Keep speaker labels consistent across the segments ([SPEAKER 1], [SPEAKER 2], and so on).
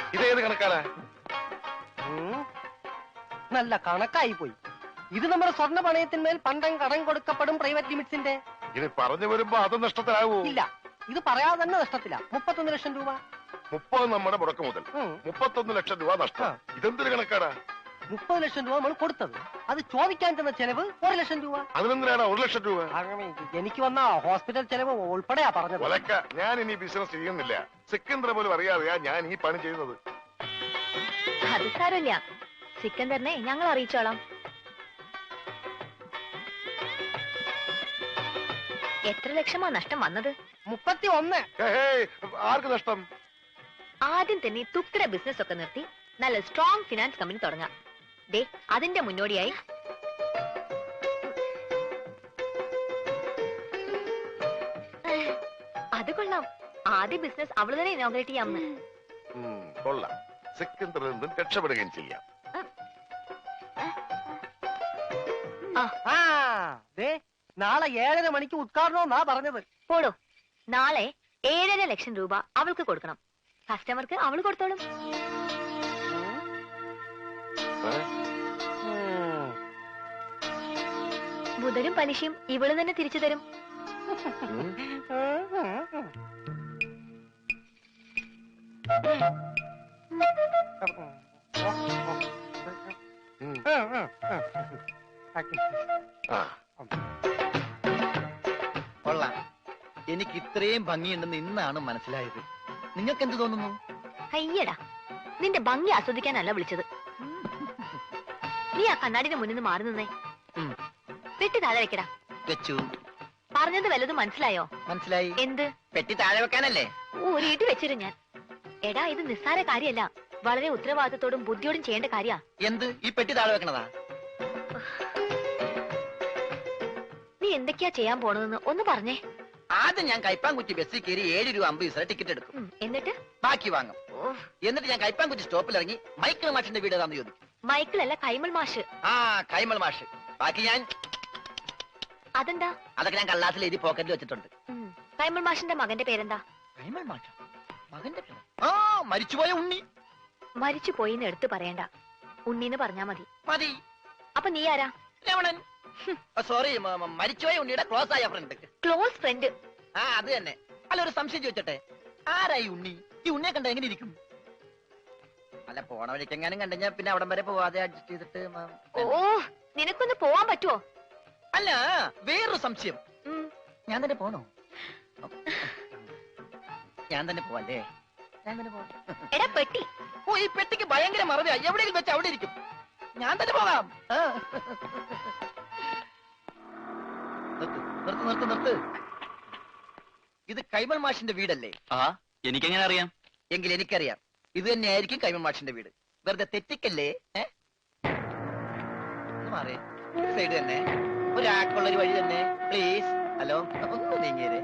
[SPEAKER 1] ഇതേത് കണക്കാണ്?
[SPEAKER 2] നല്ല കണക്കായി പോയി. ഇത് നമ്മുടെ സ്വർണ്ണ പണയത്തിന്മേൽ പണ്ടം കടം കൊടുക്കപ്പെടും പ്രൈവറ്റ് ലിമിറ്റ്സിന്റെ.
[SPEAKER 1] ഇത് പറഞ്ഞു വരുമ്പോ അത് നഷ്ടത്തിലാവൂ?
[SPEAKER 2] ഇല്ല, ഇത് പറയാതെ തന്നെ നഷ്ടത്തില്ല. 31 ലക്ഷം രൂപ.
[SPEAKER 1] 30 നമ്മുടെ മുടക്ക് മുതൽ, 31 ലക്ഷം രൂപ നഷ്ടം. ഇതെന്തൊരു കണക്കാണ്?
[SPEAKER 2] 30 ലക്ഷം രൂപ നമ്മൾ കൊടുത്തത്, അത് ചോദിക്കാൻ തന്ന ചെലവ് 1 ലക്ഷം രൂപ.
[SPEAKER 1] അതിനെന്തിനാണ് 1 ലക്ഷം രൂപ?
[SPEAKER 2] എനിക്ക് വന്ന ഹോസ്പിറ്റൽ ചെലവ് ഉൾപ്പെടെയാ പറഞ്ഞത്.
[SPEAKER 1] ഒലക്ക, ഞാൻ ഇനി ബിസിനസ് ചെയ്യുന്നില്ല. സിക്കന്ദർ പോലും അറിയാതെയാ ഞാൻ ഈ പണി ചെയ്യുന്നത്.
[SPEAKER 3] അത് സാരമില്ല, സിക്കന്ദറിനെ ഞങ്ങൾ അറിയിച്ചോളാം. എത്ര ലക്ഷമാ നഷ്ടം വന്നത്?
[SPEAKER 2] 31.
[SPEAKER 1] ആർക്ക് നഷ്ടം?
[SPEAKER 3] ആദ്യം തന്നെ തുക്കിട ബിസിനസ് ഒക്കെ നിർത്തി നല്ല സ്ട്രോങ് ഫിനാൻസ് കമ്പനി തുടങ്ങാം. ദേ, അതിന്റെ മുന്നോടിയായി അത് കൊള്ളാം. ആദ്യ ബിസിനസ് അവള് തന്നെ ഇനോഗ്രേറ്റ് ചെയ്യാമെന്ന്.
[SPEAKER 1] കൊള്ളാം. സിക്കന്ദറിൽ നിന്നും രക്ഷപ്പെടുകയും ചെയ്യാം.
[SPEAKER 2] നാളെ 7:30 മണിക്ക് ഉദ്ഘാടനമെന്നാ പറഞ്ഞത്.
[SPEAKER 3] പോടോ, നാളെ 7.5 ലക്ഷം രൂപ അവൾക്ക് കൊടുക്കണം. കസ്റ്റമർക്ക് അവള് കൊടുത്തോളും. മുതലും പലിശയും ഇവള് തന്നെ തിരിച്ചു തരും.
[SPEAKER 4] കൊള്ളാം. എനിക്ക് ഇത്രയും ഭംഗിയുണ്ടെന്ന് ഇന്നാണ് മനസ്സിലായത്. നിങ്ങൾക്ക് എന്ത് തോന്നുന്നു?
[SPEAKER 3] അയ്യടാ, നിന്റെ ഭംഗി ആസ്വദിക്കാനല്ല വിളിച്ചത്. നീ ആ കണ്ണാടിന്റെ മുന്നിൽ നിന്ന് മാറി നിന്നേ. പെട്ടി താഴെ വെക്കടാ.
[SPEAKER 4] വെച്ചു.
[SPEAKER 3] പറഞ്ഞത് വല്ലതും മനസ്സിലായോ?
[SPEAKER 4] മനസ്സിലായി.
[SPEAKER 3] എന്ത്?
[SPEAKER 4] പെട്ടി താഴെ വെക്കാനല്ലേ?
[SPEAKER 3] ഊരിയിട്ട് വെച്ചിരും ഞാൻ. എടാ, ഇത് നിസ്സാര കാര്യമല്ല, വളരെ ഉത്തരവാദിത്തത്തോടും ബുദ്ധിയോടും ചെയ്യേണ്ട കാര്യ.
[SPEAKER 4] എന്ത്? ഈ പെട്ടി താഴെ വെക്കണതാ?
[SPEAKER 3] നീ എന്തൊക്കെയാ ചെയ്യാൻ പോണതെന്ന് ഒന്ന് പറഞ്ഞേ.
[SPEAKER 4] ആദ്യം ഞാൻ കൈപ്പാങ്കുറ്റി ബസ്സിൽ കയറി 7 രൂപ 50 പൈസ ടിക്കറ്റ് എടുക്കും.
[SPEAKER 3] എന്നിട്ട്
[SPEAKER 4] ബാക്കി വാങ്ങും. എന്നിട്ട് ഞാൻ കൈപ്പാങ്കുറ്റി സ്റ്റോപ്പിൽ ഇറങ്ങി മൈക്കിൾ മാഷിന്റെ വീട് ഏതാന്ന് ചോദിക്കും.
[SPEAKER 3] മൈക്കിളല്ല, കൈമൾ മാഷ്.
[SPEAKER 4] ആ, കൈമൾ മാഷ്. ബാക്കി ഞാൻ.
[SPEAKER 3] അതെന്താ?
[SPEAKER 4] അതൊക്കെ ഞാൻ കള്ളാസിൽ എഴുതി പോക്കറ്റിൽ വെച്ചിട്ടുണ്ട്.
[SPEAKER 3] കൈമൾ മാഷിന്റെ മകന്റെ പേരെന്താ?
[SPEAKER 4] കൈമൾ മാഷ? മകന്റെ പേര്? ആ, മരിച്ചുപോയ ഉണ്ണി.
[SPEAKER 3] മരിച്ചു പോയിന്ന് എടുത്ത് പറയണ്ട, ഉണ്ണിന്ന് പറഞ്ഞാ മതി.
[SPEAKER 4] മതി.
[SPEAKER 3] അപ്പൊ നീ ആരാ?
[SPEAKER 4] രമണൻ. സോറി, മരിച്ചുപോയ ഉണ്ണിയുടെ ക്ലോസ് ആയ ഫ്രണ്ട്.
[SPEAKER 3] Close friend?
[SPEAKER 4] ആ, അത് തന്നെ. അല്ല, ഒരു സംശയം ചോദിച്ചോട്ടെ, ആരായി ഉണ്ണി? ഈ ഉണ്ണിയെ കണ്ട എങ്ങനെ ഇരിക്കും? അല്ല, പോണ വഴിക്കെങ്ങാനും കണ്ടുകഴിഞ്ഞാ പിന്നെ അവിടം വരെ പോവാതെ അഡ്ജസ്റ്റ് ചെയ്തിട്ട്.
[SPEAKER 3] ഓ, നിനക്കൊന്ന് പോവാൻ പറ്റുമോ?
[SPEAKER 4] അല്ല, വേറൊരു സംശയം. ഞാൻ തന്നെ പോണോ? ഞാൻ തന്നെ പോവല്ലേ? ഞാൻ തന്നെ പോവാം.
[SPEAKER 3] എടാ പെട്ടി.
[SPEAKER 4] ഓ, ഈ പെട്ടിക്ക് ഭയങ്കര മറവിയാ. എവിടെയെങ്കിലും വെച്ച് അവിടെ ഇരിക്കും. ഞാൻ തന്നെ പോകാം. നിർത്ത്. ഇത് കൈമൾ മാഷിന്റെ വീടല്ലേ?
[SPEAKER 5] ആ, എനിക്കെങ്ങനെ അറിയാം?
[SPEAKER 4] എങ്കിൽ എനിക്കറിയാം. ഇത് തന്നെയായിരിക്കും കൈമൾ മാഷിന്റെ വീട്. വെറുതെ തെറ്റിക്കല്ലേ? മാറേ, സൈഡ് തന്നെ, ഒരാൾക്കുള്ളൊരു വഴി തന്നെ, പ്ലീസ്. ഹലോ, ഒന്ന് നീങ്ങിയേ.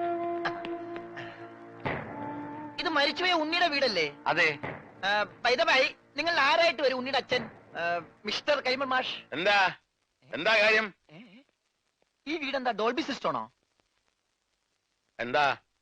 [SPEAKER 4] ഇത് മരിച്ചുപോയ ഉണ്ണിയുടെ വീടല്ലേ?
[SPEAKER 5] അതെ.
[SPEAKER 4] പൈതമായി, നിങ്ങൾ ആരായിട്ട് വരും? ഉണ്ണിയുടെ അച്ഛൻ മിസ്റ്റർ കൈമൾ മാഷ്.
[SPEAKER 1] എന്താ കാര്യം?
[SPEAKER 4] ഈ വീടെന്താ ഡോൾബി സിസ്റ്റമാണോ?
[SPEAKER 1] എന്താ?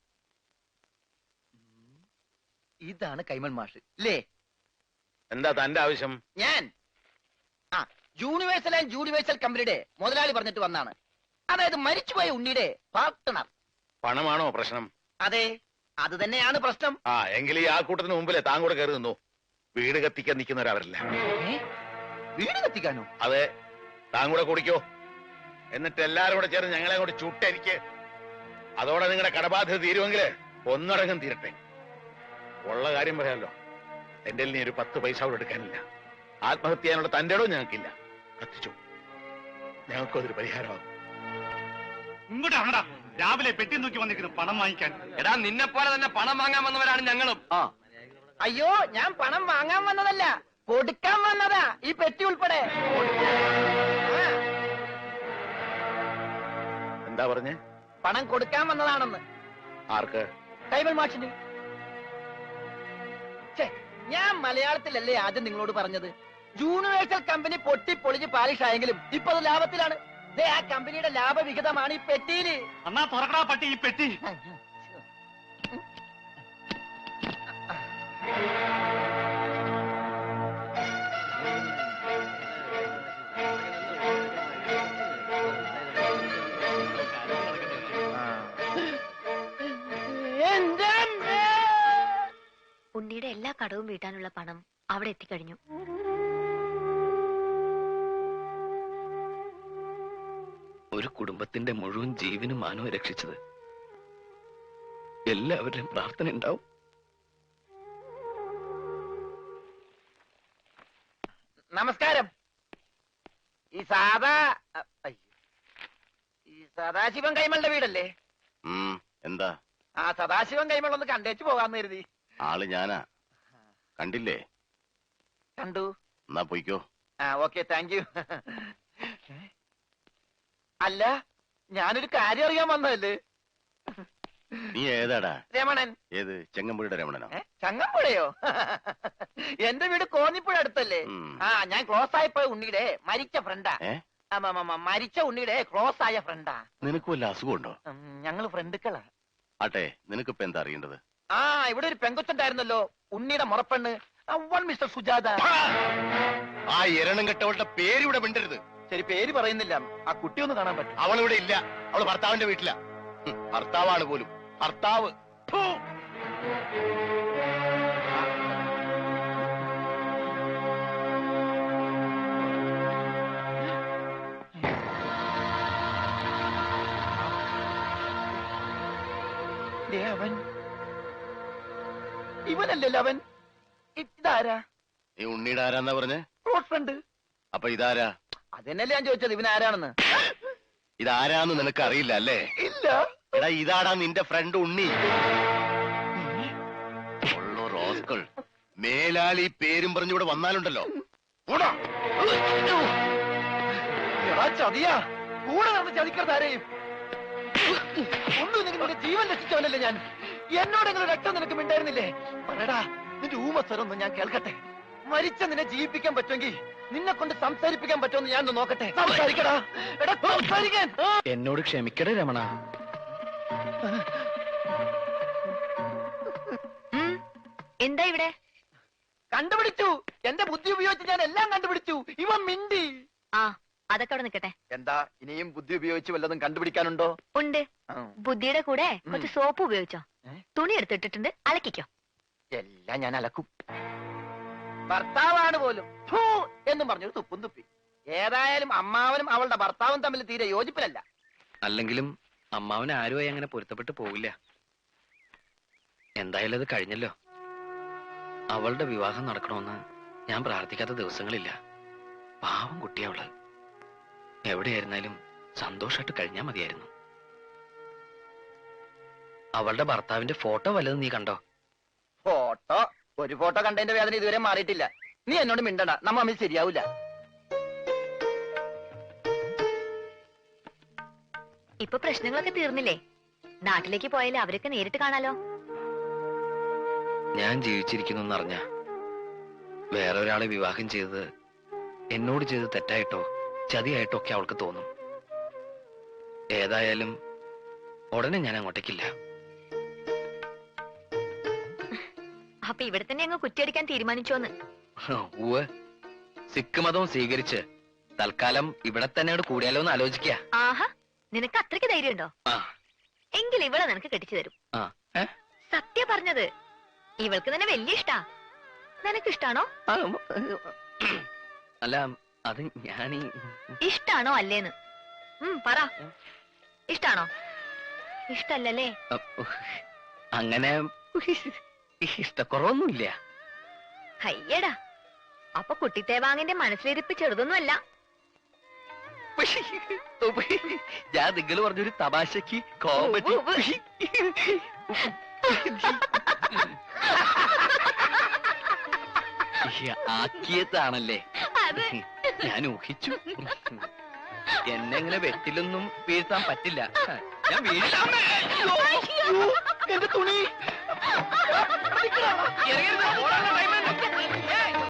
[SPEAKER 4] ഇതാണ് കൈമൾ മാഷ് അല്ലേ?
[SPEAKER 1] എന്താ തന്റെ ആവശ്യം?
[SPEAKER 4] ഞാൻ യൂണിവേഴ്സൽ ആൻഡ് യൂണിവേഴ്സൽ കമ്പനിയുടെ മുതലാളി പറഞ്ഞിട്ട് വന്നാണ്. അതായത് മരിച്ചുപോയ ഉണ്ണിയുടെ പാർട്ട്ണർ.
[SPEAKER 1] പണമാണോ പ്രശ്നം?
[SPEAKER 4] അതെ, അത് തന്നെയാണ് പ്രശ്നം.
[SPEAKER 1] എങ്കിൽ ഈ ആൾക്കൂട്ടത്തിന് മുമ്പിലെ താൻ കൂടെ കയറി നിന്നു. വീട് കത്തിക്കാൻ നിൽക്കുന്നവരവരില്ല.
[SPEAKER 4] വീട് കത്തിക്കാനോ?
[SPEAKER 1] അതെ, താൻ കൂടെ കുടിക്കോ. എന്നിട്ട് എല്ലാരും കൂടെ ചേർന്ന് ഞങ്ങളെ കൂടെ ചുട്ടരിക്ക്. അതോടെ നിങ്ങളുടെ കടബാധ്യത തീരുമെങ്കിൽ ഒന്നടങ്കം തീരട്ടെ. ഉള്ള കാര്യം പറയാമല്ലോ, എന്റെ നീ ഒരു 10 പൈസ അവിടെ എടുക്കാനില്ല. ആത്മഹത്യ ചെയ്യാനുള്ള തന്റെ ഇടവും ഞങ്ങൾക്കില്ല. കത്തിച്ചു, ഞങ്ങൾക്കും അതൊരു പരിഹാരമാകും.
[SPEAKER 6] ഇങ്ങോട്ടാണടാ രാവിലെ പെട്ടി നോക്കി വന്നിരിക്കുന്നു പണം വാങ്ങിക്കാൻ.
[SPEAKER 5] എടാ, നിന്നെ പോലെ തന്നെ പണം വാങ്ങാൻ വന്നവരാണ് ഞങ്ങളും.
[SPEAKER 4] അയ്യോ, ഞാൻ പണം വാങ്ങാൻ വന്നതല്ല, കൊടുക്കാൻ വന്നതാ. ഈ പെട്ടി ഉൾപ്പെടെ.
[SPEAKER 1] എന്താ പറഞ്ഞേ?
[SPEAKER 4] പണം കൊടുക്കാൻ വന്നതാണെന്ന്.
[SPEAKER 1] ആർക്ക്?
[SPEAKER 4] കൈമൾ മാഷിന്. ഞാൻ മലയാളത്തിലല്ലേ ആദ്യം നിങ്ങളോട് പറഞ്ഞത്? യൂണിവേഴ്സൽ കമ്പനി പൊട്ടിപ്പൊളിഞ്ഞ് പാലിഷ് ആയെങ്കിലും ഇപ്പൊ അത് ലാഭത്തിലാണ്. ആ കമ്പനിയുടെ ലാഭവിഹിതമാണ് ഈ പെട്ടിയില്.
[SPEAKER 6] അന്നാ തുറക്കടാ പട്ടി ഈ പെട്ടി.
[SPEAKER 3] ഉണ്ണിയുടെ എല്ലാ കടവും വീട്ടാനുള്ള പണം അവിടെ എത്തിക്കഴിഞ്ഞു.
[SPEAKER 5] ഒരു കുടുംബത്തിന്റെ മുഴുവൻ ജീവനും മാനവും രക്ഷിച്ചത് എല്ലാവരുടെയും പ്രാർത്ഥന ഉണ്ടാവും.
[SPEAKER 4] നമസ്കാരം. ഈ സദാശിവൻ കൈമളുടെ വീടല്ലേ?
[SPEAKER 1] എന്താ?
[SPEAKER 4] ആ സദാശിവൻ കൈമൾ ഒന്ന് കണ്ടേച്ചു പോകാന്ന് കരുതി.
[SPEAKER 1] ആള് ഞാനാ. കണ്ടില്ലേ?
[SPEAKER 4] കണ്ടു.
[SPEAKER 1] എന്നാ പോയിക്കോ.
[SPEAKER 4] ആ ഓക്കെ, താങ്ക് യു. അല്ല, ഞാനൊരു കാര്യം അറിയാൻ വന്നതല്ലേ.
[SPEAKER 1] നീ ഏതാടാ?
[SPEAKER 4] രമണൻ.
[SPEAKER 1] ഏത്? ചെങ്ങമ്പുഴയുടെ രമണനോ?
[SPEAKER 4] ചങ്ങമ്പുഴയോ? എന്റെ വീട് കോന്നിപ്പുഴ അടുത്തല്ലേ? ആ, ഞാൻ ക്ലോസ് ആയപ്പോ ഉണ്ണിയുടെ മരിച്ച ഫ്രണ്ടാ. മരിച്ച ഉണ്ണിയുടെ ക്ലോസ് ആയ ഫ്രണ്ടാ.
[SPEAKER 1] നിനക്ക് വല്ല അസുഖമുണ്ടോ?
[SPEAKER 4] ഞങ്ങള് ഫ്രണ്ടുക്കളാ.
[SPEAKER 1] ആട്ടെ, നിനക്കിപ്പോ എന്താ അറിയേണ്ടത്?
[SPEAKER 4] ആ, ഇവിടെ ഒരു പെങ്കൊച്ചുണ്ടായിരുന്നല്ലോ, ഉണ്ണിയുടെ മുറപ്പെണ്ണ്, മിസ്റ്റർ സുജാത.
[SPEAKER 1] ആ എരണം കെട്ടവളുടെ പേരിവിടെ മിണ്ടരുത്.
[SPEAKER 4] ശരി, പേര് പറയുന്നില്ല. ആ കുട്ടി ഒന്ന് കാണാൻ പറ്റും?
[SPEAKER 1] അവളിവിടെ ഇല്ല. അവള് ഭർത്താവിന്റെ വീട്ടിലാ. ഭർത്താവാണ് പോലും. ഭർത്താവ്.
[SPEAKER 4] അവൻ ഇവനല്ലല്ലോ അവൻ. ഇതാരാ?
[SPEAKER 1] നീ ഉണ്ണിയുടെ ആരാന്നാ പറഞ്ഞേ?
[SPEAKER 4] Close friend.
[SPEAKER 1] അപ്പൊ ഇതാരാ?
[SPEAKER 4] അതെന്നല്ലേ ഞാൻ ചോദിച്ചത്, ഇവനാരാണെന്ന്.
[SPEAKER 1] ഇതാരാന്ന് നിനക്ക് അറിയില്ല അല്ലേ?
[SPEAKER 4] ഇല്ല.
[SPEAKER 1] എടാ, ഇതാടാ നിന്റെ ഫ്രണ്ട് ഉണ്ണി. ഉള്ളോ റോസ്കൾ. മേലാൽ ഈ പേരും പറഞ്ഞിവിടെ വന്നാലുണ്ടല്ലോ.
[SPEAKER 4] എടാ ചതിയാ, കൂടെ നടന്ന് ചതിക്കരുതാരെയും. ഒന്നും നിങ്ങളുടെ ജീവൻ രക്ഷിച്ചവനല്ലേ ഞാൻ. എന്നോടെങ്കിലും രക്തം നിനക്ക് മിണ്ടായിരുന്നില്ലേ? പറയടാ, നിന്റെ ഊമസ്വരൊന്നും ഞാൻ കേൾക്കട്ടെ. മരിച്ച നിന്നെ ജീവിപ്പിക്കാൻ പറ്റുമെങ്കിൽ നിന്നെ കൊണ്ട് സംസാരിപ്പിക്കാൻ പറ്റുമെന്ന് ഞാൻ നോക്കട്ടെ. സംസാരിക്കടാ. എടാ സംസാരിക്കാൻ.
[SPEAKER 5] എന്നോട് ക്ഷമിക്കടേ രമണ.
[SPEAKER 3] എന്താ ഇവിടെ?
[SPEAKER 4] കണ്ടുപിടിച്ചു. എന്റെ ബുദ്ധി ഉപയോഗിച്ച് ഞാൻ എല്ലാം കണ്ടുപിടിച്ചു. ഇവൻ മിണ്ടി.
[SPEAKER 3] ആ, അതൊക്കെ അവിടെ നിൽക്കട്ടെ.
[SPEAKER 4] എന്താ, ഇനിയും ബുദ്ധി ഉപയോഗിച്ച് വല്ലതും കണ്ടുപിടിക്കാനുണ്ടോ?
[SPEAKER 3] ഉണ്ട്. ബുദ്ധിയുടെ കൂടെ കുറച്ച് സോപ്പ് ഉപയോഗിച്ചോ. തുണി എടുത്തിട്ടിട്ടുണ്ട്, അലക്കിക്കോ.
[SPEAKER 4] എല്ലാം ഞാൻ അലക്കും. ഭർത്താവാണ് പോലും ഫൂ എന്നും പറഞ്ഞൊരു തുപ്പും തുപ്പി. ഏതായാലും അമ്മാവനും അവളുടെ ഭർത്താവും തമ്മിൽ തീരെ യോജിപ്പിലല്ല.
[SPEAKER 5] അല്ലെങ്കിലും അമ്മാവന് ആരുമായി അങ്ങനെ പൊരുത്തപ്പെട്ട് പോവില്ല. എന്തായാലും അത് കഴിഞ്ഞല്ലോ. അവളുടെ വിവാഹം നടക്കണമെന്ന് ഞാൻ പ്രാർത്ഥിക്കാത്ത ദിവസങ്ങളില്ല. പാവം കുട്ടിയവള്. എവിടെയായിരുന്നാലും സന്തോഷമായിട്ട് കഴിഞ്ഞാ മതിയായിരുന്നു. അവളുടെ ഭർത്താവിന്റെ ഫോട്ടോ വല്ലതും നീ കണ്ടോ?
[SPEAKER 4] ഫോട്ടോ? ഒരു ഫോട്ടോ കണ്ടതിന്റെ വേദന ഇതുവരെ മാറിയിട്ടില്ല. നീ എന്നോട് മിണ്ടണ്ട, നമ്മ തമ്മിൽ ശരിയാവൂല.
[SPEAKER 3] ഇപ്പൊ പ്രശ്നങ്ങളൊക്കെ തീർന്നില്ലേ? നാട്ടിലേക്ക് പോയാലേ അവരൊക്കെ നേരിട്ട് കാണാലോ.
[SPEAKER 5] ഞാൻ ജീവിച്ചിരിക്കുന്നു എന്നറിഞ്ഞ വേറെ ഒരാളെ വിവാഹം ചെയ്തത് എന്നോട് ചെയ്ത് തെറ്റായിട്ടോ ചതിയായിട്ടോ ഒക്കെ അവൾക്ക് തോന്നും. ഏതായാലും ഉടനെ ഞാൻ അങ്ങോട്ടേക്കില്ല.
[SPEAKER 3] അപ്പൊ ഇവിടെ തന്നെ അങ്ങ് കുറ്റിയടിക്കാൻ തീരുമാനിച്ചോന്ന്?
[SPEAKER 5] ഊവ്, സിഖ് മതവും സ്വീകരിച്ച് തൽക്കാലം ഇവിടെ തന്നെ കൂടിയാലോ എന്ന് ആലോചിക്കുക.
[SPEAKER 3] ആഹാ, നിനക്ക് അത്രയ്ക്ക് ധൈര്യമുണ്ടോ? എങ്കിൽ ഇവളെ നിനക്ക് കെട്ടിച്ചു തരും. സത്യം പറഞ്ഞത്. ഇവൾക്ക് തന്നെ വലിയ ഇഷ്ടാ. നിനക്ക് ഇഷ്ടാണോ?
[SPEAKER 5] അല്ല, അത് ഞാനീ
[SPEAKER 3] ഇഷ്ടാണോ അല്ലേന്ന് പറ. ഇഷ്ടാണോ? ഇഷ്ടല്ലേ?
[SPEAKER 5] അങ്ങനെ ഇഷ്ടക്കുറവൊന്നുമില്ല.
[SPEAKER 3] അയ്യടാ, അപ്പൊ കുട്ടിത്തേവാങ്ങിന്റെ മനസ്സിലിരിപ്പ് ചെറുതൊന്നുമല്ല.
[SPEAKER 5] ഞാൻ നിങ്ങൾ പറഞ്ഞൊരു തമാശക്ക് കോമഡി ആക്കിയതാണല്ലേ ഞാൻ ഊഹിച്ചു. എന്നെ ഇങ്ങനെ വെട്ടിലൊന്നും വീഴ്ത്താൻ പറ്റില്ല. ഞാൻ
[SPEAKER 4] എന്റെ തുണി